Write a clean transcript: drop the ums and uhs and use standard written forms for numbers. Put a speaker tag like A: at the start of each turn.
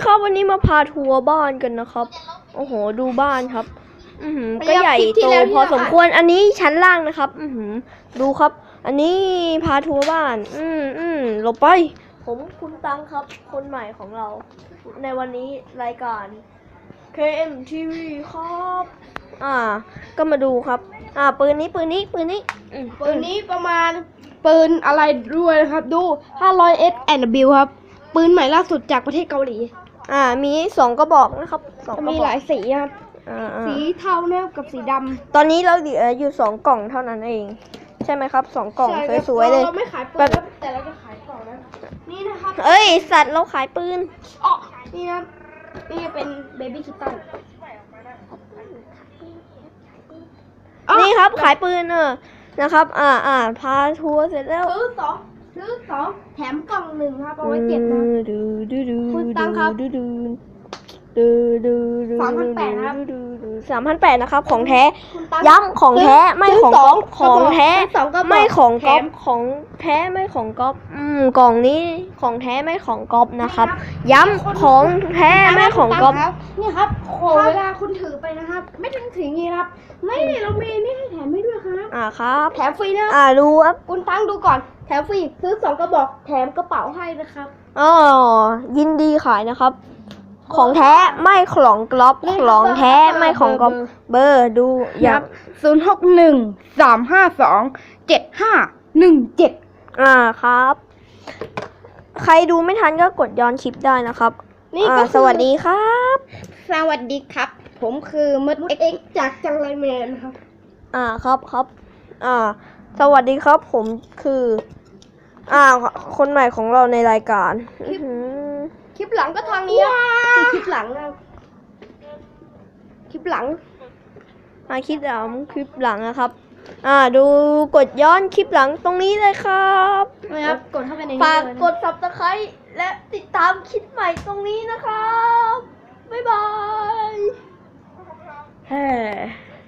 A: ครับวันนี้มาพาทัวร์บ้านกันนะครับโอ้โหดูบ้านครับก็ใหญ่โตพอสมควรอันนี้ชั้นล่างนะครับดูครับอันนี้พาทัวร์บ้านหลบไปผมคุณตังครับคนใหม่ของเราในวันนี้รายการ KMTV ครับก็มาดูครับปืนนี้ประมาณปืนอะไรด้วยนะครับดู 500S and W ครับปืนใหม่ล่าสุดจากประเทศเกาหลีมี2กระบอกนะครับมีหลายสีครับสีเทาเนี่ยกับสีดำตอนนี้เราเหลืออยู่2กล่องเท่านั้นเองใช่ไหมครับ2กล่องสวยๆเลย
B: เราไม่ขายปืนแต่เราจะขายกล่องนะนี่นะครับ
A: สัตว์เราขายปืน
B: นี่ครับนี่เป็นเบบี้คิตตัน
A: นี่ครับขายปืนนะครับพาทัวร์เสร็จแล้ว
B: ซื้อสองแถมกล่องหนึ่งครับเอาไว้เก็บนะคุณตังครับ3,800ครับ
A: 3,800นะครับของแท้ย้ำของแท้ไม่ของก๊อปของแท้ไม่ของก๊อปของแท้ไม่ของก๊อปกล่องนี้ของแท้ไม่ของก๊อปนะครับย้ำของแท้ไม่ของก๊อป
B: นี่ครับเวลาคุณถือไปนะครับไม่ต้องถืองี้ครับไม่เรามีนี่ให้แถมให้ด้วยครับ
A: ครับ
B: แถมฟรีนะ
A: ดูครับ
B: คุณตั้งดูก่อนแถมฟรีซื้อ2กระบอกแถมกระเป๋าให้นะครับ
A: ยินดีขายนะครับของแท้ไม่ของก๊อปของแท้ไม่ของก๊อปเบอร์ดู
B: อย่าง061-352-7517
A: ครับใครดูไม่ทันก็กดย้อนคลิปได้นะครับสวัสดีครับ
B: สวัสดีครับผมคือมดเอ็กจากจังไรแมนครับ
A: ครับสวัสดีครับผมคือคนใหม่ของเราในรายการ
B: คลิปหลังก็ทางนี้คลิปหลังนะคลิปหลัง
A: นะครับดูกดย้อนคลิปหลังตรงนี้เลยครับ
B: นะครับกดเข้าไปใน
A: ฝากกด Subscribe และติดตามคลิปใหม่ตรงนี้นะครับบ๊ายบาย